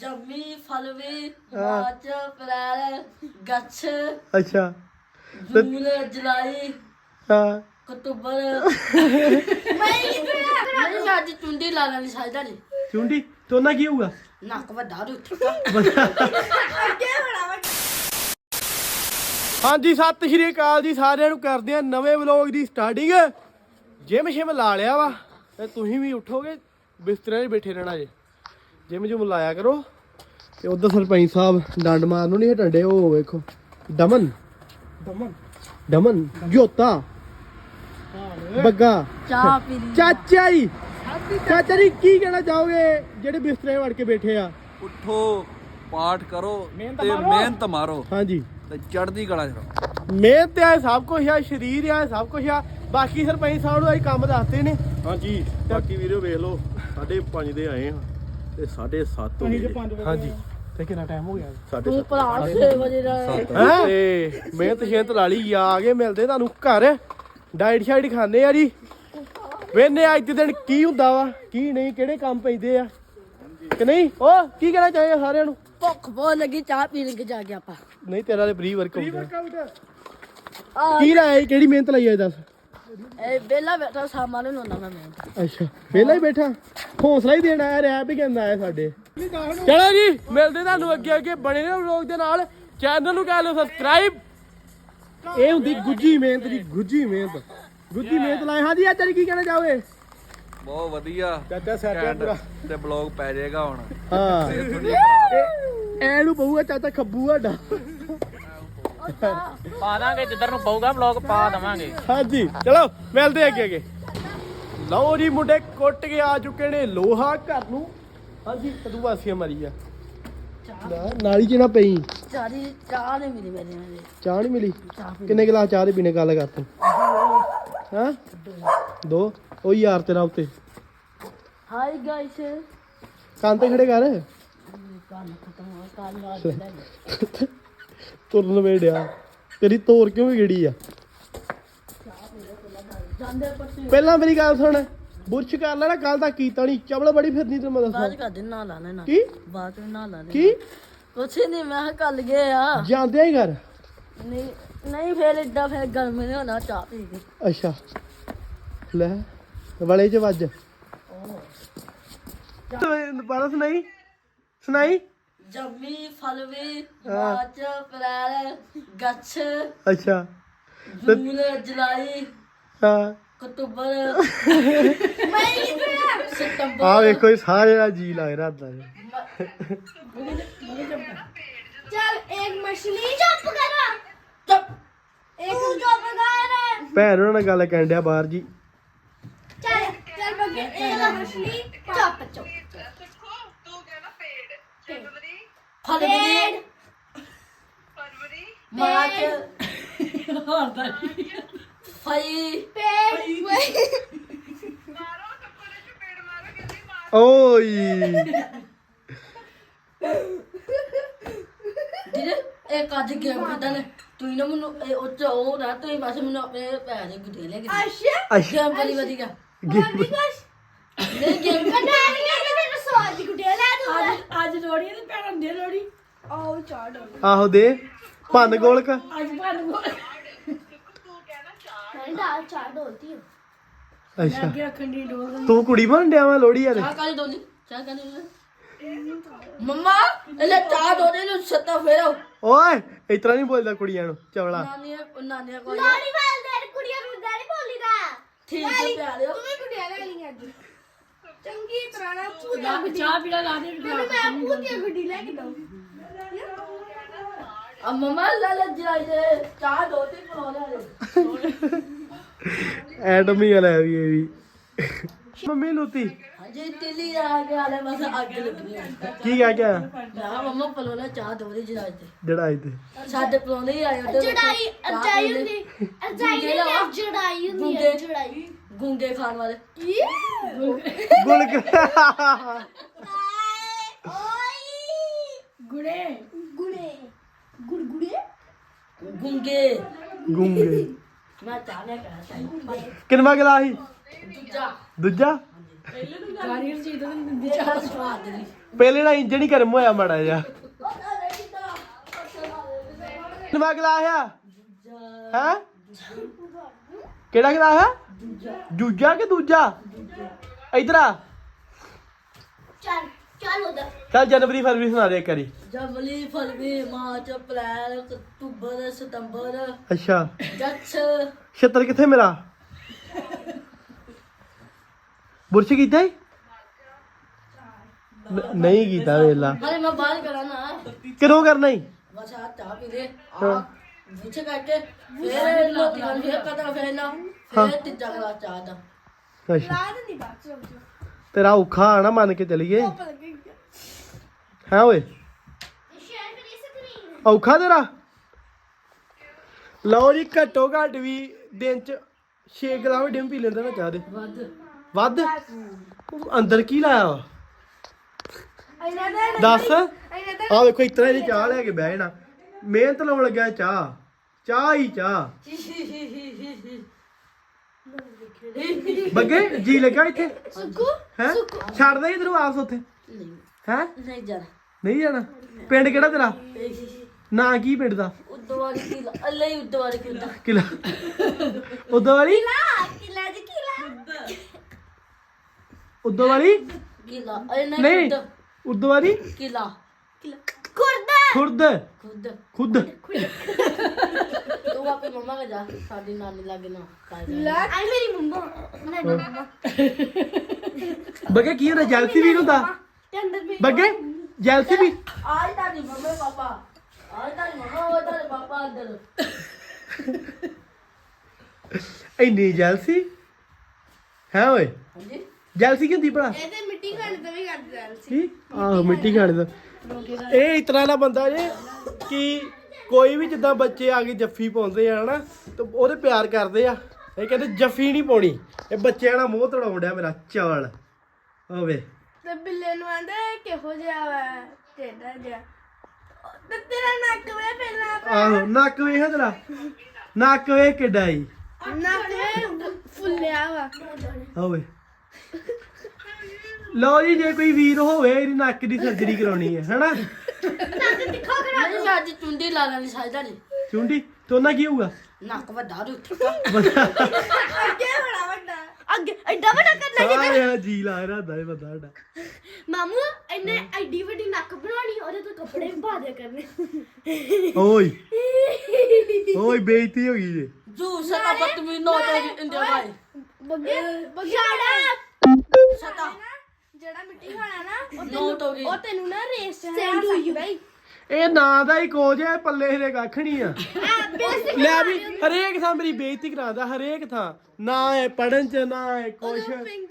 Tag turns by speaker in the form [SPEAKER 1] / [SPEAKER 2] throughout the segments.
[SPEAKER 1] ਜੰਮੀ ਫਲਵੀ March April ਗੱਛ
[SPEAKER 2] ਅੱਛਾ
[SPEAKER 1] ਜੂਨ ਜੁਲਾਈ
[SPEAKER 2] ਹਾਂ
[SPEAKER 1] ਅਕਤੂਬਰ ਮੈਂ ਅੱਜ ਚੁੰਡੀ ਲਾ ਲੈਣੀ ਸਾਜਦਾ ਜੀ
[SPEAKER 2] ਚੁੰਡੀ ਤੋਨਾ ਕੀ ਹੋਊਗਾ
[SPEAKER 1] ਨੱਕ ਵੱਡਾ ਰੂ ਉੱਠਾ
[SPEAKER 2] ਹਾਂਜੀ ਸਤਿ ਸ਼੍ਰੀ ਅਕਾਲ ਜੀ ਸਾਰਿਆਂ ਨੂੰ ਕਰਦੇ ਆ ਨਵੇਂ ਵਲੌਗ ਦੀ ਸਟਾਰਟਿੰਗ ਜਿਮ ਸ਼ਿਮ ਲਾ ਲਿਆ ਵਾ ਤੇ ਤੁਸੀਂ ਵੀ ਉੱਠੋਗੇ ਬਿਸਤਰੇ 'ਤੇ ਬੈਠੇ ਰਹਿਣਾ ਜੇ ਜਿਮ ਜੁਮ ਲਾਇਆ ਕਰੋ ਤੇ ਉਧਰ ਸਰਪੰਚ ਸਾਹਿਬ ਡੰਡ ਮਾਰਨ ਨੂੰ ਨਹੀਂ ਹਟੰਡੇ ਉਹ ਵੇਖੋ ਦਮਨ ਜੋਤਾ ਬੱਗਾ
[SPEAKER 1] ਚਾਹ ਪੀ ਲਈ
[SPEAKER 2] ਚਾਚਾ ਜੀ ਚਾਚਾ ਜੀ ਕੀ ਕਹਿਣਾ ਚਾਹੋਗੇ ਜਿਹੜੇ ਬਿਸਤਰੇ 'ਤੇ ਵੜ ਕੇ ਬੈਠੇ ਆ
[SPEAKER 3] ਉੱਠੋ ਪਾਠ ਕਰੋ ਤੇ ਮਿਹਨਤ ਮਾਰੋ
[SPEAKER 2] ਹਾਂਜੀ
[SPEAKER 3] ਤੇ ਚੜ੍ਹਦੀ ਕਲਾ ਚ ਰਹੋ।
[SPEAKER 2] ਮਿਹਨਤ ਆ ਸਭ ਕੁਝ ਆ ਸਰੀਰ ਆ ਸਭ ਕੁਝ ਆ ਬਾਕੀ ਸਰਪੰਚ ਸਾਹਿਬ ਨੂੰ ਅਸੀਂ ਕੰਮ ਦੱਸਦੇ ਨੇ
[SPEAKER 4] ਹਾਂਜੀ ਬਾਕੀ ਵੀਡੀਓ ਵੇਖ ਲਓ 5:30 ਦੇ ਆਏ ਹਾਂ ਤੇ 7:30 ਹੋ ਗਏ
[SPEAKER 2] ਹਾਂਜੀ ਤੇ ਕਿੰਨਾ ਟਾਈਮ ਹੋ ਗਿਆ
[SPEAKER 1] ਤੂੰ ਭਰਾ 6 ਵਜੇ ਦਾ
[SPEAKER 2] ਹੈ ਤੇ ਮਿਹਨਤ ਸ਼ੇਤ ਲਾ ਲਈ ਆ ਕੇ ਮਿਲਦੇ ਤੁਹਾਨੂੰ ਘਰ ਡਾਈਟ ਸ਼ਾਈਟ ਖਾਂਦੇ ਆ ਜੀ ਵੇਨੇ ਅੱਜ ਦੇ ਦਿਨ ਕੀ ਹੁੰਦਾ ਵਾ ਕੀ ਨਹੀਂ ਕਿਹੜੇ ਕੰਮ ਪੈਂਦੇ ਆ ਕਿ ਨਹੀਂ ਉਹ ਕੀ ਕਹਿਣਾ ਚਾਹੀਏ ਸਾਰਿਆਂ ਨੂੰ
[SPEAKER 1] ਭੁੱਖ ਬਹੁਤ ਲੱਗੀ ਚਾਹ ਪੀ ਲੈ ਕੇ ਜਾ ਕੇ ਆਪਾਂ
[SPEAKER 2] ਨਹੀਂ ਤੇਰਾ ਤੇ ਪ੍ਰੀ ਵਰਕਆਊਟ ਕੀ ਲਾਇਆ ਕਿਹੜੀ ਮਿਹਨਤ ਲਈ ਆ ਦੱਸ
[SPEAKER 1] ਇਹ ਬੇਲਾ ਬੈਠਾ ਸਾਮਾਨ ਨੂੰ ਲਾਉਣਾ ਮੈਂ
[SPEAKER 2] ਅੱਛਾ ਵਿਹਲਾ ਹੀ ਬੈਠਾ ਹੌਸਲਾ ਹੀ ਦੇਣਾ ਆ ਰੈਪ ਹੀ ਕਹਿੰਦਾ ਆ ਸਾਡੇ ਚਲੋ ਜੀ ਮਿਲਦੇ ਤੁਹਾਨੂੰ ਅੱਗੇ ਬਣੇ ਰਹੋ ਵਲੌਗ ਦੇ ਨਾਲ ਚੈਨਲ ਨੂੰ ਕਰ ਲਓ ਸਬਸਕ੍ਰਾਈਬ ਇਹ ਹੁੰਦੀ ਗੁੱਜੀ ਮਿਹਨਤ ਦੀ ਗੁੱਜੀ ਮਿਹਨਤ ਲਾਏ ਹਾਂਜੀ ਅੱਜ ਕੀ ਕਹਿਣਾ ਚਾਹੋਗੇ
[SPEAKER 3] ਬਹੁਤ ਵਧੀਆ
[SPEAKER 2] ਚਾਚਾ ਸੈਟ
[SPEAKER 3] ਘੈਂਟ ਤੇ ਬਲੌਗ ਪੈ ਜਾਏਗਾ ਹੁਣ
[SPEAKER 2] ਹਾਂ ਐ ਨੂੰ ਪਊਗਾ ਚਾਚਾ ਖੱਬੂ ਸਾਡਾ
[SPEAKER 5] ਪਾ ਦਾਂਗੇ ਜਿੱਧਰ ਨੂੰ ਪਊਗਾ ਵਲੌਗ ਪਾ ਦਵਾਂਗੇ
[SPEAKER 2] ਹਾਂਜੀ ਚਲੋ ਮਿਲਦੇ ਅੱਗੇ ਲਓ ਜੀ ਮੁੰਡੇ ਕੁੱਟ ਕੇ ਆ ਚੁੱਕੇ ਨੇ ਲੋਹਾ ਘਰ ਨੂੰ ਹਾਂਜੀ ਕਦੂ ਵਾਸੀਆਂ ਮਾਰੀ ਆ ਨਾਲੀ ਚ ਨਾ ਪਈ
[SPEAKER 1] ਚਾਹ ਨਹੀਂ ਮਿਲੀ ਮੇਰੇ
[SPEAKER 2] ਚਾਹ ਨਹੀਂ ਮਿਲੀ ਕਿੰਨੇ ਗਲਾਸ ਚਾਹ ਦੇ ਪੀਣੇ ਗੱਲ ਕਰ ਤੂੰ ਹਾਂ 2 ਉਹ ਯਾਰ ਤੇਰਾ ਉੱਤੇ
[SPEAKER 1] ਹਾਈ ਗਾਇਸ
[SPEAKER 2] ਕੰਨ ਤੇ ਖੜੇ ਕਰ
[SPEAKER 1] ਕੰਮ ਖਤਮ ਹੋ ਕਾਲ ਵਾਰ
[SPEAKER 2] ਤੁਰਨ ਵੇੜਿਆ ਤੇਰੀ ਤੋਰ ਕਿਉਂ ਵਿਗੜੀ ਆ
[SPEAKER 1] ਜਾਂਦੇ ਪੱਟੀ
[SPEAKER 2] ਪਹਿਲਾਂ ਮੇਰੀ ਗੱਲ ਸੁਣ ਬੁਰਸ਼ ਕਰ ਲੈਣਾ ਕੱਲ ਤਾਂ ਕੀਤਾ ਨਹੀਂ ਚਵਲ ਬੜੀ ਫਿਰਨੀ ਤੈਨੂੰ ਮੈਂ
[SPEAKER 1] ਬਾਅਦ
[SPEAKER 2] ਦੱਸਾਂ
[SPEAKER 1] ਕਰ ਦੇ ਨਾ ਲਾਣਾ ਨਾ
[SPEAKER 2] ਕੀ
[SPEAKER 1] ਬਾਅਦ ਵਿੱਚ ਨਾ ਲਾਣਾ
[SPEAKER 2] ਕੀ
[SPEAKER 1] ਕੁਛ ਨਹੀਂ ਮੈਂ ਕੱਲ ਗਏ ਆ
[SPEAKER 2] ਜਾਂਦੇ ਹੀ ਘਰ
[SPEAKER 1] ਨਹੀਂ ਫੇਰ ਏਦਾਂ ਫੇਰ ਗਰਮ ਨਹੀਂ ਹੋਣਾ ਚਾਹ ਪੀ ਕੇ
[SPEAKER 2] ਅੱਛਾ ਲੈ ਵਲੇ ਚ ਵੱਜ ਦੁਬਾਰਾ ਸੁਣਾਈ
[SPEAKER 1] ਜੰਮੀ ਫਲਵੀ ਮਾਰਚ ਅਪ੍ਰੈਲ ਗੱਛ
[SPEAKER 2] ਅੱਛਾ
[SPEAKER 1] ਜੂਨ ਜੁਲਾਈ
[SPEAKER 2] ਹਾਂ
[SPEAKER 1] ਅਕਤੂਬਰ ਸਤੰਬਰ
[SPEAKER 2] ਆ ਵੇਖੋ ਇਹ ਸਾਰੇ ਦਾ ਜੀ ਲੱਗ ਰਿਹਾ ਦਾ
[SPEAKER 6] चल एक मछली जंप करा
[SPEAKER 1] ਚੁੱਪ
[SPEAKER 6] एक जंप कर
[SPEAKER 2] ਭੈਣ ਉਹਨਾਂ ਨਾਲ ਗੱਲ ਕਰਨ ਡਿਆ ਬਾਹਰ ਜੀ
[SPEAKER 6] चल चल बगे एक मछली जंप चुप
[SPEAKER 1] ਫਲਵੀ ਮਾਰਚ ਫਈ
[SPEAKER 2] ਓਏ
[SPEAKER 1] ਜਿਹੜੇ ਇੱਕ ਅੱਜ ਗੇਮ ਖੇਡਣ ਨੇ ਤੂੰ ਨਾ ਮੈਨੂੰ ਉਹ ਚ ਉਹ ਨਾ ਤੂੰ ਬਸ ਮੈਨੂੰ ਆਪਣੇ ਪੈਰ ਦੇ ਗੁੱਡੇ ਲੈ ਕੇ
[SPEAKER 6] अच्छा
[SPEAKER 2] ਅੱਛਾ
[SPEAKER 1] ਗੇਮ ਬੜੀ ਵਧੀਆ
[SPEAKER 6] बंदी कश
[SPEAKER 1] ਨਹੀਂ ਗੇਮ
[SPEAKER 6] कटानियां के तेरे स्वाद की गुटिया ला दूंगा
[SPEAKER 1] ਅੱਜ ਲੋੜੀ ਤੇ ਭੈਣ ਦੇ ਲੋੜੀ
[SPEAKER 6] आओ चाट
[SPEAKER 2] ਆਹੋ ਦੇ ਭੰਨ ਗੋਲਕ
[SPEAKER 1] ਅੱਜ ਭੈਣ ਨੂੰ
[SPEAKER 6] मैं दाल चाट होती है
[SPEAKER 2] ਅੱਛਾ
[SPEAKER 1] ਅੱਗੇ ਖੰਡੀ ਡੋਲ
[SPEAKER 2] ਤੂੰ ਕੁੜੀ ਬਣ ਡਿਆ ਵਾ ਲੋੜੀ ਯਾਰ
[SPEAKER 1] ਚਾਹ ਕਾਲੀ ਡੋਲੀ ਚਾਹ ਕਾਲੀ ਮੰਮਾ ਇਹ ਚਾਹ ਡੋਲੇ ਨੂੰ ਸੱਤਾ ਫੇਰੋ
[SPEAKER 2] ਓਏ ਇਸ ਤਰ੍ਹਾਂ ਨਹੀਂ ਬੋਲਦਾ ਕੁੜੀਆਂ ਨੂੰ ਚਵਲਾ
[SPEAKER 1] ਨਾਨੀ ਕੋਲ
[SPEAKER 6] लाड़ी वाल दे कुड़िया नु दाड़ी बोली दा
[SPEAKER 1] ਠੀਕ ਹੈ ਪਿਆਰਿਓ
[SPEAKER 6] तुम्हें गुटिया ला ली आज चंगी तरह ना पूजा
[SPEAKER 1] ਚਾਹ ਪੀੜਾ ਲਾ ਦੇ
[SPEAKER 6] मैं पूजा गुटी लेके दो
[SPEAKER 1] ਆ ਮੰਮਾ ਲਾ ਲਾ ਜਰਾਈ ਦੇ ਚਾਹ ਦੋ ਤੇ ਪਰੋ ਲੈ
[SPEAKER 2] ਐਟਮ ਹੀ ਆ ਲੈ ਵੀ ਇਹ ਵੀ ਮੰਮੀ ਲੂਤੀ
[SPEAKER 1] ਅਜੇ ਤਿਲੀ ਆ ਕੇ ਆਲੇ ਬਸ ਅੱਗ ਲੱਗਣੀ ਹੈ
[SPEAKER 2] ਕੀ ਕਹਿ ਗਿਆ
[SPEAKER 1] ਨਾ ਮੰਮਾ ਪਰੋ ਲੈ ਚਾਹ ਦੋ ਦੇ ਜਰਾਈ ਤੇ
[SPEAKER 2] ਜਿਹੜਾ ਇੱਥੇ
[SPEAKER 1] ਸਾਡੇ ਪਰੋਂਦੇ ਹੀ ਆਏ ਉੱਧਰ
[SPEAKER 6] जड़ाई अजाई हुंदी अजाई हुंदी जड़ाई हुंदी है जड़ाई
[SPEAKER 1] ਗੁੰਗੇ ਖਾਣ ਵਾਲੇ
[SPEAKER 2] ਗੁਲਕ
[SPEAKER 6] गुड़े गुड़े गुड़गुड़े
[SPEAKER 1] ਗੁੰਗੇ
[SPEAKER 2] ਗੁੰਗੇ
[SPEAKER 1] ਮੈਂ ਚਾਹ ਲੈ ਕੇ ਆਇਆ
[SPEAKER 2] ਕਿੰਨਵਾ ਗਲਾ ਸੀ
[SPEAKER 1] ਦੂਜਾ
[SPEAKER 2] ਦੂਜਾ
[SPEAKER 1] ਗਾੜੀ ਜੀ ਤਾਂ ਦਿੰਦੀ ਚਾਹ ਸਵਾਦ ਦੀ
[SPEAKER 2] ਪਹਿਲੇ ਨਾ ਇੰਜਣ ਹੀ ਗਰਮ ਹੋਇਆ ਮਾੜਾ ਜਿਹਾ ਨਵਾਂ ਗਲਾਸ ਆ ਹੈ ਕਿਹੜਾ ਗਲਾਸ ਆ ਦੂਜਾ ਕਿ ਦੂਜਾ ਇਧਰ ਆ
[SPEAKER 6] ਚੱਲ ਉਧਰ
[SPEAKER 2] ਚੱਲ ਜਨਵਰੀ ਫਰਵਰੀ ਸੁਣਾ ਦੇ ਇੱਕ ਵਾਰੀ
[SPEAKER 1] ਜਨਵਰੀ ਫਰਵਰੀ ਮਾਰਚ ਅਪ੍ਰੈਲ ਅਕਤੂਬਰ ਸਤੰਬਰ
[SPEAKER 2] ਅੱਛਾ
[SPEAKER 1] ਜੱਛ
[SPEAKER 2] ਛੱਤਰ ਕਿੱਥੇ ਮੇਰਾ ਬੁਰਸ਼ ਕੀਤਾ ਈ? ਨਹੀਂ ਕੀਤਾ ਵੇਲਾ
[SPEAKER 1] ਹਲੇ ਮੈਂ ਬਾਹਰ ਕਰਾਂ ਨਾ
[SPEAKER 2] ਕਿਦੋਂ ਕਰਨਾ ਈ
[SPEAKER 1] ਬਸ ਆ ਚਾਹ ਪੀ ਲੈ ਆ ਵਿੱਚ ਕਰਕੇ ਫਿਰ ਰੋਟੀ ਖਾਣ ਫਿਰ ਕਦਰ ਫਿਰ ਨਾ ਫਿਰ ਤੀਜਾ ਗਲਾਸ ਚਾਹ ਦਾ
[SPEAKER 2] ਅੱਛਾ ਤੇਰਾ ਔਖਾ ਆ ਨਾ ਮੰਨ ਕੇ ਚਲੀਏ ਹੈ ਓਏ
[SPEAKER 6] ਸ਼ੇਅਰ ਕਰੀ ਸਕਰੀਨ
[SPEAKER 2] ਔਖਾ ਤੇਰਾ ਲਓ ਜੀ ਘੱਟੋ ਘੱਟ ਵੀ ਦਿਨ ਚ 6 ਗਲਾਸ ਡਿਮ ਪੀ ਲੈਂਦਾ ਨਾ ਚਾਹ ਦੇ ਵੱਧ ਉਹ ਅੰਦਰ ਕੀ ਲਾਇਆ ਵਾ ਦੱਸ ਆ ਵੇਖੋ ਇਤਨਾ ਇਹਦੀ ਚਾਹ ਲੈ ਕੇ ਬਹਿ ਜਾਣਾ ਮਿਹਨਤ ਲਾਉਣ ਲੱਗਾ ਚਾਹ ਹੀ ਚਾਹ ਬੱਗੇ ਜੀ ਲੱਗਾ ਇੱਥੇ
[SPEAKER 6] ਸੁੱਕੂ
[SPEAKER 2] ਹੈ ਛੱਡ ਦੇ ਇਧਰੋਂ ਆਪਸ ਉੱਥੇ ਹੈ
[SPEAKER 1] ਨਹੀਂ ਜਾਣਾ
[SPEAKER 2] ਨਹੀਂ ਜਾਣਾ ਪਿੰਡ ਕਿਹੜਾ ਤੇਰਾ ਨਾਂ ਕੀ ਪਿੰਡ ਦਾ
[SPEAKER 1] ਉਦੋਂ ਵਾਲੀ ਕਿਲਾ ਅੱਲੇ ਹੀ ਉਦੋਂ ਵਾਲੀ ਕਿਲਾ
[SPEAKER 2] ਕਿਲਾ ਉਦੋਂ ਵਾਲੀ
[SPEAKER 6] ਕਿਲਾ ਜੀ ਕਿਲਾ
[SPEAKER 2] ਉਦੋਂ ਵਾਲੀ
[SPEAKER 1] ਕਿਲਾ ਅਰੇ
[SPEAKER 2] ਨਹੀਂ
[SPEAKER 1] ਨਹੀਂ
[SPEAKER 2] ਉਦੋਂ ਵਾਲੀ
[SPEAKER 1] ਕਿਲਾ
[SPEAKER 6] ਖੁਰਦਾ
[SPEAKER 2] ਖੁਰਦ
[SPEAKER 1] ਖੁਦ
[SPEAKER 2] ਖੁਦ
[SPEAKER 1] ਤੂੰ ਆਪੇ ਮੰਮਾ ਕੇ ਜਾ ਸਾਡੀ ਨਾਨੀ ਲਾਗੇ ਨਾ
[SPEAKER 6] ਆਈ ਮੇਰੀ ਮੰਮਾ
[SPEAKER 2] ਬੱਗੇ ਕੀ ਹੁੰਦਾ ਜੈਲਸੀ ਵੀ ਹੁੰਦਾ
[SPEAKER 6] ਤੇ ਅੰਦਰ ਮੇਰੀ
[SPEAKER 2] ਬੱਗੇ ਜੈਲਸੀ ਵੀ
[SPEAKER 1] ਆਜ ਤਾਂ ਨਹੀਂ ਮੰਮੇ ਪਾਪਾ ਆਜ ਤਾਂ ਮੰਮਾ ਉਹ ਤਾਂ ਪਾਪਾ ਅੰਦਰ
[SPEAKER 2] ਇੰਨੀ ਜੈਲਸੀ ਹੈ ਓਏ
[SPEAKER 1] ਹਾਂਜੀ
[SPEAKER 2] ਜੈਲਸੀ ਕੀ ਹੁੰਦੀ ਭਲਾ
[SPEAKER 6] ਇਹ ਤੇ ਮਿੱਟੀ ਖਾਣ ਤੋਂ ਵੀ ਕਰਦੇ ਆ
[SPEAKER 2] ਕੀ ਆਹੋ ਮਿੱਟੀ ਖਾਣੇ ਦਾ ਇਹ ਇਸ ਤਰ੍ਹਾਂ ਦਾ ਬੰਦਾ ਜੇ ਕਿ ਕੋਈ ਵੀ ਜਿੱਦਾਂ ਬੱਚੇ ਆ ਕੇ ਜੱਫੀ ਪਾਉਂਦੇ ਆ ਹਨਾ ਤੇ ਉਹਦੇ ਪਿਆਰ ਕਰਦੇ ਆ ਇਹ ਕਹਿੰਦੇ ਜੱਫੀ ਨਹੀਂ ਪਾਉਣੀ ਇਹ ਬੱਚਿਆਂ ਨਾਲ ਮੂੰਹ ਤੜਾਉਣ ਡਿਆ ਮੇਰਾ ਚਾਲ ਹੋਵੇ
[SPEAKER 6] ਤੇ ਬਿੱਲੇ ਨੂੰ ਆਂਦਾ ਕਿਹੋ ਜਿਹਾ ਵਾ ਟੇਡਾ ਜਿਹਾ ਤੇ ਤੇਰਾ ਨੱਕ ਵੇ ਪਹਿਲਾਂ
[SPEAKER 2] ਆਹੋ ਨੱਕ ਵੇਖ ਤੇਰਾ ਨੱਕ ਵੇਖ ਕਿੱਡਾ ਈ
[SPEAKER 6] ਨੱਕ ਵੇ ਫੁੱਲਿਆ ਵਾ
[SPEAKER 2] ਹੋਵੇ ਲਓ ਜੀ ਜੇ ਕੋਈ ਵੀਰ ਹੋਵੇ ਇਹਦੀ ਨੱਕ ਦੀ ਸਰਜਰੀ ਕਰਾਉਣੀ ਹੈ ਹਨਾ
[SPEAKER 6] ਨੱਕ ਤਿੱਖਾ ਕਰਾ
[SPEAKER 1] ਮੈਨੂੰ ਅੱਜ ਚੁੰਡੀ ਲਾ ਲੈਣੀ ਸਾਜਦਾ ਨਹੀਂ
[SPEAKER 2] ਚੁੰਡੀ ਤੇ ਉਹਨਾਂ ਕੀ ਹੋਊਗਾ
[SPEAKER 1] ਨੱਕ ਵੱਡਾ ਰੂ ਠੱਕਾ
[SPEAKER 6] ਅੱਗੇ ਬੜਾ ਵੱਡਾ ਅੱਗੇ ਐਡਾ ਵੱਡਾ ਕਰਨਾ
[SPEAKER 2] ਸਾਰਿਆ ਜੀ ਲਾ ਰਿਹਾ ਇਹ ਬੰਦਾ ਸਾਡਾ
[SPEAKER 6] ਮਾਮੂ ਇਹਨੇ ਐਡੀ ਵੱਡੀ ਨੱਕ ਬਣਾਉਣੀ ਉਹਦੇ ਤੋਂ ਕੱਪੜੇ ਵੀ ਪਾ ਦਿਆ ਕਰਨੇ
[SPEAKER 2] ਓਏ ਓਏ ਬੇਇੱਜ਼ਤੀ ਹੋ ਗਈ ਜੇ
[SPEAKER 1] ਜੂ ਸਤਾ ਬਤਮੀ ਨੋ ਤੇ ਇੰਡੀਆ ਭਾਈ
[SPEAKER 6] ਛਾੜਾ
[SPEAKER 1] ਸਤਾ
[SPEAKER 6] ਜਿਹੜਾ ਮਿੱਟੀ ਖਾਣਾ ਨਾ
[SPEAKER 1] ਨੋਟ ਹੋ ਗਈ
[SPEAKER 6] ਉਹ ਤੈਨੂੰ ਨਾ ਰੇਸ ਚ ਹਰਾ ਸਕਦਾ ਹੀ
[SPEAKER 2] ਇਹ ਨਾਂ ਦਾ ਹੀ ਕੋਚ ਹੈ ਪੱਲੇ ਦੇ ਕੱਖ ਨਹੀਂ ਆ ਲੈ ਵੀ ਹਰੇਕ ਥਾਂ ਮੇਰੀ ਬੇਇੱਜ਼ਤੀ ਕਰਾਉਂਦਾ ਹਰੇਕ ਥਾਂ ਨਾ ਹੈ ਪੜਨ ਚ ਨਾ ਹੈ ਕੁਛ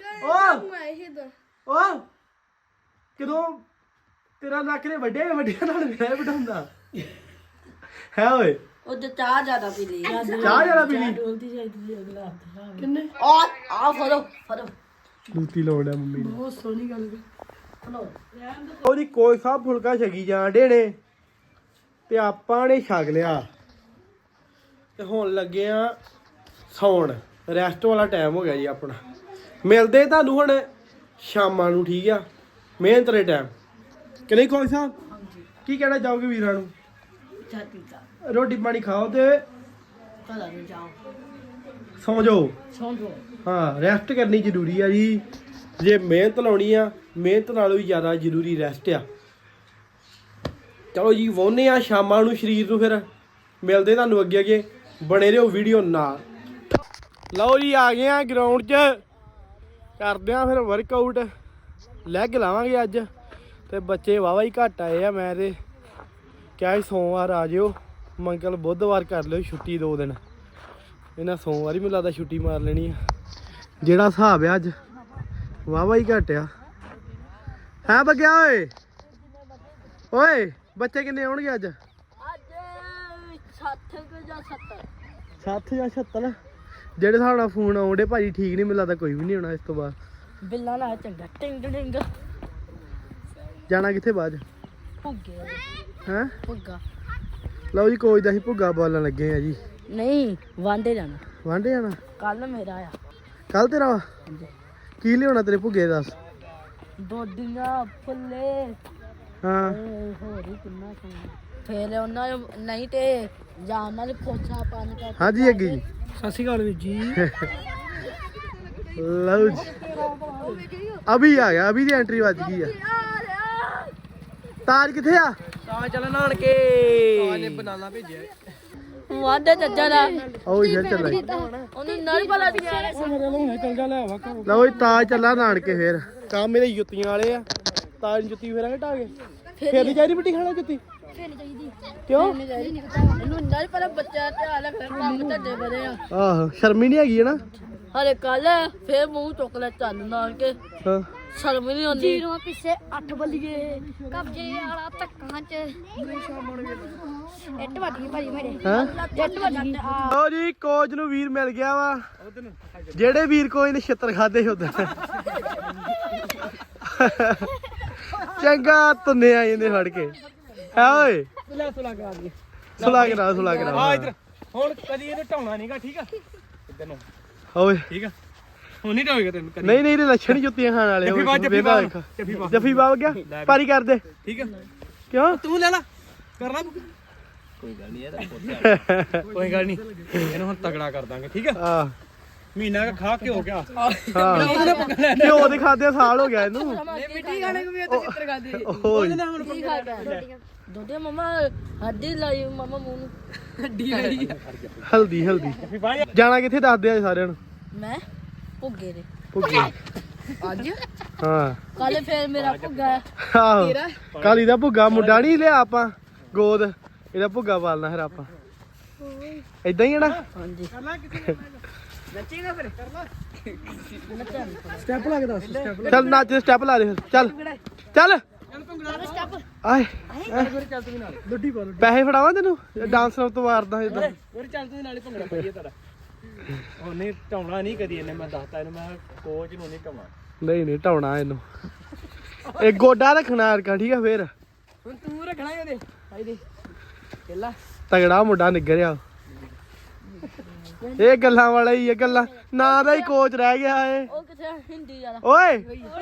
[SPEAKER 2] ਓ ਕਦੋਂ ਤੇਰਾ ਨੱਕ ਨੇ ਵੱਡੇ ਵੱਡਿਆਂ ਨਾਲ ਵਿਆਹ ਬਿਠਾਉਂਦਾ ਹੈ ਓਏ
[SPEAKER 1] ਉਹ ਤੇ ਚਾਹ ਜ਼ਿਆਦਾ ਪੀ ਲਈ
[SPEAKER 2] ਚਾਹ ਜਰਾ ਪੀ ਲਈ
[SPEAKER 1] ਕਿੰਨੇ ਆ ਫੜੋ
[SPEAKER 2] ਲੂਤੀ ਲਾਉਣਾ ਮੰਮੀ ਨੇ
[SPEAKER 1] ਬਹੁਤ ਸੋਹਣੀ ਗੱਲ ਫੜੋ
[SPEAKER 2] ਉਹਦੀ ਕੋਈ ਸਾਹਿਬ ਫੁਲਕਾ ਛਕੀ ਜਾਣ ਡੇ ਨੇ ਤੇ ਆਪਾਂ ਨੇ ਛਕ ਲਿਆ ਤੇ ਹੁਣ ਲੱਗੇ ਆ ਸੌਣ ਰੈਸਟ ਵਾਲਾ ਟਾਈਮ ਹੋ ਗਿਆ ਜੀ ਆਪਣਾ ਮਿਲਦੇ ਤੁਹਾਨੂੰ ਹੁਣ ਸ਼ਾਮਾਂ ਨੂੰ ਠੀਕ ਆ ਮਿਹਨਤ ਦੇ ਟਾਈਮ ਕਿ ਨਹੀਂ ਕੋਈ ਸਾਹਿਬ ਕੀ ਕਹਿਣਾ ਚਾਹੋਗੇ ਵੀਰਾਂ ਨੂੰ
[SPEAKER 1] ਚਾਤੀ ਦਾ
[SPEAKER 2] ਰੋਟੀ ਪਾਣੀ ਖਾਓ ਤੇ
[SPEAKER 1] ਚਲਾ ਨੂੰ ਜਾਓ
[SPEAKER 2] ਸੌਂ ਜਾਓ
[SPEAKER 1] ਸੌਂ ਜਾਓ
[SPEAKER 2] ਹਾਂ ਰੈਸਟ ਕਰਨੀ ਜ਼ਰੂਰੀ ਆ ਜੀ ਜੇ ਮਿਹਨਤ ਲਾਉਣੀ ਆ ਮਿਹਨਤ ਨਾਲੋਂ ਵੀ ਜ਼ਿਆਦਾ ਜ਼ਰੂਰੀ ਰੈਸਟ ਆ ਚਲੋ ਜੀ ਵਾਹੁੰਦੇ ਆ ਸ਼ਾਮਾਂ ਨੂੰ ਸਰੀਰ ਨੂੰ ਫਿਰ ਮਿਲਦੇ ਤੁਹਾਨੂੰ ਅੱਗੇ ਬਣੇ ਰਹੋ ਵੀਡੀਓ ਨਾਲ ਲਓ ਜੀ ਆ ਗਏ ਆ ਗਰਾਊਂਡ 'ਚ ਕਰਦੇ ਆ ਫਿਰ ਵਰਕਆਊਟ ਲੈਗ ਲਾਵਾਂਗੇ ਅੱਜ ਤੇ ਬੱਚੇ ਵਾਵਾ ਹੀ ਘੱਟ ਆਏ ਆ ਮੈਂ ਤੇ ਕਿਹਾ ਸੀ ਸੋਮਵਾਰ ਆ ਜਿਓ ਮੰਗਲ ਬੁੱਧਵਾਰ ਕਰ ਲਿਓ ਛੁੱਟੀ 2 ਦਿਨ ਇਹਨਾਂ ਸੋਮਵਾਰ ਹੀ ਮੈਨੂੰ ਲੱਗਦਾ ਛੁੱਟੀ ਮਾਰ ਲੈਣੀ ਆ ਜਿਹੜਾ ਹਿਸਾਬ ਆ ਅੱਜ ਵਾਵਾ ਹੀ ਘੱਟ ਆ ਹੈ ਬੱਗਿਆ ਓਏ ਓਏ ਬੱਚੇ ਕਿੰਨੇ ਆਉਣਗੇ ਅੱਜ
[SPEAKER 1] ਅੱਜ 60 ਜਾਂ 70
[SPEAKER 2] 60 ਜਾਂ 76 ਜਿਹੜੇ ਹਿਸਾਬ ਨਾਲ ਫੋਨ ਆਉਂਦੇ ਭਾਜੀ ਠੀਕ ਨਹੀਂ ਮੈਨੂੰ ਲੱਗਦਾ ਕੋਈ ਵੀ ਨਹੀਂ ਆਉਣਾ ਇਸ ਤੋਂ ਬਾਅਦ
[SPEAKER 1] ਬਿੱਲਾ ਨਾ ਚੰਗਾ ਟਿੰਗ ਟਿੰਗ
[SPEAKER 2] ਜਾਣਾ ਕਿੱਥੇ ਬਾਅਦ
[SPEAKER 1] ਭੁੱਗੇ
[SPEAKER 2] ਹੈ
[SPEAKER 1] ਭੁੱਗਾ
[SPEAKER 2] ਲਓ ਜੀ ਕੋਈ ਦਾ ਅਸੀਂ ਭੁੱਗਾ ਬੋਲਣ ਲੱਗੇ ਆ ਜੀ
[SPEAKER 1] ਨਹੀਂ ਵਾਂਡੇ ਜਾਣਾ
[SPEAKER 2] ਵਾਂਢੇ ਜਾਣਾ
[SPEAKER 1] ਕੱਲ ਮੇਰਾ ਆ
[SPEAKER 2] ਕੱਲ ਤੇਰਾ ਵਾ ਕੀ ਲਿਆਉਣਾ ਤੇਰੇ ਭੁੱਗੇ ਦੱਸ।
[SPEAKER 1] ਦੋਡੀਆਂ ਫੁੱਲੇ
[SPEAKER 2] ਹਾਂ
[SPEAKER 1] ਹੋਰ ਹੀ ਕਿੰਨਾ ਫੇਰ ਉਹਨਾਂ ਨੂੰ ਨਹੀਂ ਤੇ ਜਾਨ ਨਾਲ ਖੋਸਾ ਪਾਣੀ ਕਰ
[SPEAKER 2] ਹਾਂਜੀ ਅੱਗੇ ਜੀ
[SPEAKER 5] ਸਤਿ ਸ਼੍ਰੀ ਅਕਾਲ ਵੀਰ ਜੀ।
[SPEAKER 2] ਲਓ ਜੀ ਅਭੀ ਆ ਗਿਆ, ਅਭੀ ਦੀ ਐਂਟਰੀ ਵੱਜ ਗਈ ਆ। ਤਾਜ ਕਿੱਥੇ ਆ?
[SPEAKER 5] ਤਾਂ ਚੱਲ ਨਾਨਕੇ।
[SPEAKER 2] ਤਾਜ ਨੇ ਬਨਾਨਾ ਭੇਜਿਆ।
[SPEAKER 1] ਵਾਦੇ ਚੱਜਾ ਦਾ
[SPEAKER 2] ਆਓ ਯਾਰ ਚੱਲਾਂ
[SPEAKER 1] ਉਹਨੂੰ ਨਾਲ ਬਲਾ ਦਿਆ
[SPEAKER 2] ਲਓ ਜੀ ਤਾਜ ਚੱਲਾ ਨਾਨਕੇ ਫੇਰ। ਕੰਮ ਮੇਰੇ ਜੁੱਤੀਆਂ ਵਾਲੇ ਆ। ਤਾਜ ਨੂੰ ਜੁੱਤੀ ਫੇਰਾਂਗੇ ਢਾਗੇ। ਫੇਰ ਨਹੀਂ ਚਾਹੀਦੀ ਮਿੱਟੀ ਖਾਣਾ ਜੁੱਤੀ? ਕਿਉਂ?
[SPEAKER 1] ਇਹਨੂੰ ਨਾਲ ਪਰ ਬੱਚਾ ਤੇ ਹਾਲ ਫਿਰ ਕੰਮ ਧੱਡੇ ਬਦੇ ਆ
[SPEAKER 2] ਆਹੋ ਸ਼ਰਮ ਹੀ ਨਹੀਂ ਹੈਗੀ ਹੈ ਨਾ।
[SPEAKER 1] ਹਰੇ ਕੱਲ ਫੇਰ ਮੂੰਹ ਚੁੱਕ ਲੈ ਚੱਲ ਨਾਲ ਕੇ
[SPEAKER 2] ਹਾਂ
[SPEAKER 1] ਸ਼ਰਮ ਹੀ ਨਹੀਂ ਆਉਂਦੀ
[SPEAKER 6] ਜੀਰੋ ਪਿੱਛੇ 8 ਬੱਲੀਏ ਕਬਜੇ ਵਾਲਾ ਧੱਕਾਂ ਚ ਇੱਟ ਵੱਜ ਗਈ ਭਾਜੀ ਮੇਰੇ
[SPEAKER 2] ਹਾਂ
[SPEAKER 6] ਇੱਟ ਵੱਜ ਗਈ
[SPEAKER 2] ਲਓ ਜੀ ਕੋਚ ਨੂੰ ਵੀਰ ਮਿਲ ਗਿਆ ਵਾ। ਜਿਹੜੇ ਵੀਰ ਕੋਚ ਨੇ ਛਿੱਤਰ ਖਾਦੇ ਉਧਰ ਚੰਗਾ ਤੁੰਨੇ ਆ ਜਾਂਦੇ ਫੜ ਕੇ ਹੈ ਓਏ।
[SPEAKER 5] ਸੁਲਾ ਕਰਾ ਦਈਏ।
[SPEAKER 2] ਸੁਲਾ ਕੇ
[SPEAKER 5] ਆ ਇੱਧਰ ਹੁਣ ਕਦੀ ਇਹਨੂੰ ਢਾਉਣਾ ਨਹੀਂਗਾ ਠੀਕ ਆ। ਇੱਧਰ ਨੂੰ
[SPEAKER 2] ਓਏ
[SPEAKER 5] ਠੀਕ ਆ। ਹੁਣ ਨਹੀਂ ਢਾਵੇਗਾ ਤੈਨੂੰ ਕਦੀ।
[SPEAKER 2] ਨਹੀਂ ਇਹਦੇ ਲੱਛਣ ਹੀ ਜੁੱਤੀਆਂ ਖਾਣ ਵਾਲੇ।
[SPEAKER 5] ਜੱਫੀ ਪਾ, ਜੱਫੀ ਪਾ, ਜੱਫੀ ਪਾ।
[SPEAKER 2] ਜੱਫੀ ਪਾ ਗਿਆ ਪਾਰੀ ਕਰ ਦੇ।
[SPEAKER 5] ਠੀਕ ਆ।
[SPEAKER 2] ਕਿਉਂ?
[SPEAKER 5] ਤੂੰ ਲੈ ਲਾ ਕਰਨਾ ਕੋਈ ਗੱਲ ਨਹੀਂ ਇਹਨੂੰ ਹੁਣ ਤਗੜਾ ਕਰ ਦਾਂਗੇ ਠੀਕ ਆ।
[SPEAKER 2] ਆ
[SPEAKER 5] ਮਹੀਨਾ ਕੁ ਖਾ ਕੇ ਹੋ ਗਿਆ।
[SPEAKER 2] ਹਾਂ ਘਿਓ ਦੇ ਖਾਦੇ ਸਾਲ ਹੋ ਗਿਆ ਇਹਨੂੰ।
[SPEAKER 5] ਮਿੱਟੀ ਖਾਣੇ ਕੋ ਵੀ ਉੱਤੇ ਚਿੱਤਰ ਖਾਦੀ।
[SPEAKER 2] ਓਏ
[SPEAKER 1] ਕੀ ਖਾ ਗਿਆ ਦੋਦੇ ਮਮਾ ਹੱਡੀ ਲਾਈ ਮਮਾ ਮੂੰਹ ਨੂੰ
[SPEAKER 5] ਹੱਡੀ ਲਈ
[SPEAKER 2] ਹਲਦੀ ਜਾਣਾ ਕਿੱਥੇ ਦੱਸਦੇ ਆ ਸਾਰਿਆਂ ਨੂੰ।
[SPEAKER 1] ਮੈਂ ਭੁੱਗੇ ਦੇ
[SPEAKER 2] ਭੁੱਗੇ
[SPEAKER 1] ਅੱਜ
[SPEAKER 2] ਹਾਂ
[SPEAKER 1] ਕੱਲ ਫੇਰ ਮੇਰਾ ਭੁੱਗਾ
[SPEAKER 2] ਆਹੋ ਕਾਲੀ ਦਾ ਭੁੱਗਾ ਮੁੰਡਾ ਨਹੀਂ ਲਿਆ ਆਪਾਂ ਗੋਦ ਇਹਦਾ ਭੁੱਗਾ ਪਾਲਣਾ ਫਿਰ ਆਪਾਂ ਏਦਾਂ ਹੀ ਹੈ ਨਾ।
[SPEAKER 1] ਹਾਂਜੀ
[SPEAKER 5] ਨੱਚੇਗਾ ਫਿਰ ਕਰ ਲਾ।
[SPEAKER 2] ਸਟੈਪ ਲਾ ਕੇ ਦੱਸ ਚੱਲ ਨੱਚ ਸਟੈਪ ਲਾ ਦੇ ਫਿਰ ਚੱਲ ਚੱਲ ਆਏ ਪੈਸੇ ਫੜਾਵਾਂ ਤੈਨੂੰ ਡਾਂਸ ਤੋਂ ਮਾਰਦਾ ਇਦਾਂ।
[SPEAKER 5] ਹੋਰ ਚੱਲ ਤੂੰ ਨਾਲੇ ਭੰਗੜਾ ਪਾਈਏ ਤੇਰਾ। ਉਹਨੇ ਢਾਉਣਾ ਨਹੀਂ ਕਦੀ ਇਹਨੇ ਮੈਂ ਦੱਸਤਾ ਇਹਨੂੰ ਮੈਂ ਕੋਚ ਨੂੰ ਨਹੀਂ ਢਾਉਣਾ।
[SPEAKER 2] ਨਹੀਂ ਢਾਉਣਾ ਇਹਨੂੰ। ਇਹ ਗੋਡਾ ਰੱਖਣਾ ਅਰਕਾ ਠੀਕ ਆ ਫੇਰ
[SPEAKER 5] ਹੁਣ ਤੂੰ ਰੱਖਣਾ ਉਹਦੇ ਭਾਈ ਦੇ ਪਹਿਲਾ
[SPEAKER 2] ਤਗੜਾ ਮੁੰਡਾ ਨਿੱਗਰਿਆ। ਇਹ ਗੱਲਾਂ ਵਾਲਾ ਹੀ ਇਹ ਗੱਲਾਂ ਨਾ ਦਾ ਹੀ ਕੋਚ ਰਹਿ ਗਿਆ ਏ।
[SPEAKER 1] ਉਹ ਕਿਥੇ ਹਿੰਦੀ ਵਾਲਾ
[SPEAKER 2] ਓਏ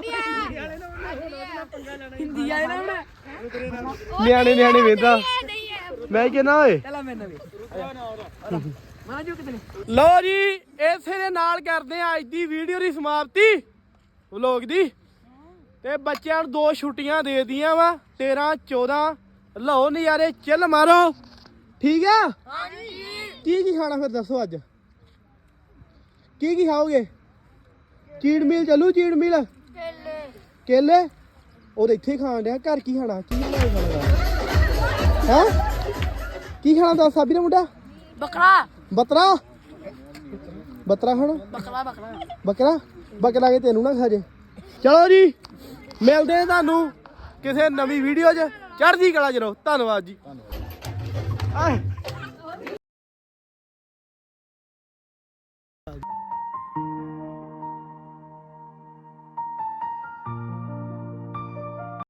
[SPEAKER 5] ਹਿੰਦੀ ਆਏ ਨਾ ਹੁਣ
[SPEAKER 2] ਨਿਆਣੇ ਵੇਂਦਾ ਮੈਂ ਕਹਿੰਦਾ ਓਏ।
[SPEAKER 5] ਚੱਲ ਮੈਂ ਨਵੇਂ ਮਾਂ ਜੋ ਕਿਤੇ
[SPEAKER 2] ਲਓ ਜੀ ਇਸੇ ਦੇ ਨਾਲ ਕਰਦੇ ਆ ਅੱਜ ਦੀ ਵੀਡੀਓ ਦੀ ਸਮਾਪਤੀ ਵਲੋਗ ਦੀ। ਤੇ ਬੱਚਿਆਂ ਨੂੰ 2 ਛੁੱਟੀਆਂ ਦੇ ਦਿੱਤੀਆਂ ਵਾ 13 14 ਲਓ ਨਜ਼ਾਰੇ ਚਿੱਲ ਮਾਰੋ ਠੀਕ ਆ। ਕੀ ਖਾਣਾ ਫਿਰ ਦੱਸੋ ਅੱਜ ਕੀ ਖਾਓਗੇ? ਚੀੜ ਮੀਲ ਚੱਲੂ ਚੀੜ ਮੀਲ ਕੇਲੇ ਉਹ ਇੱਥੇ ਖਾਣ ਡਿਆ ਘਰ ਕੀ ਖਾਣਾ ਕੀ ਬਣਾਏ ਖਾਣਾ ਹੈ ਕੀ ਖਾਣਾ ਦੱਸ ਸਾਬੀ ਦਾ ਮੁੰਡਾ ਬੱਤਰਾ ਖਾਣਾ ਬੱਕਰਾ ਕੇ ਤੈਨੂੰ ਨਾ ਖਾ ਜੇ। ਚਲੋ ਜੀ ਮਿਲਦੇ ਆ ਤੁਹਾਨੂੰ ਕਿਸੇ ਨਵੀਂ ਵੀਡੀਓ 'ਚ। ਚੜ੍ਹਦੀ ਕਲਾ 'ਚ ਰਹੋ। ਧੰਨਵਾਦ ਜੀ।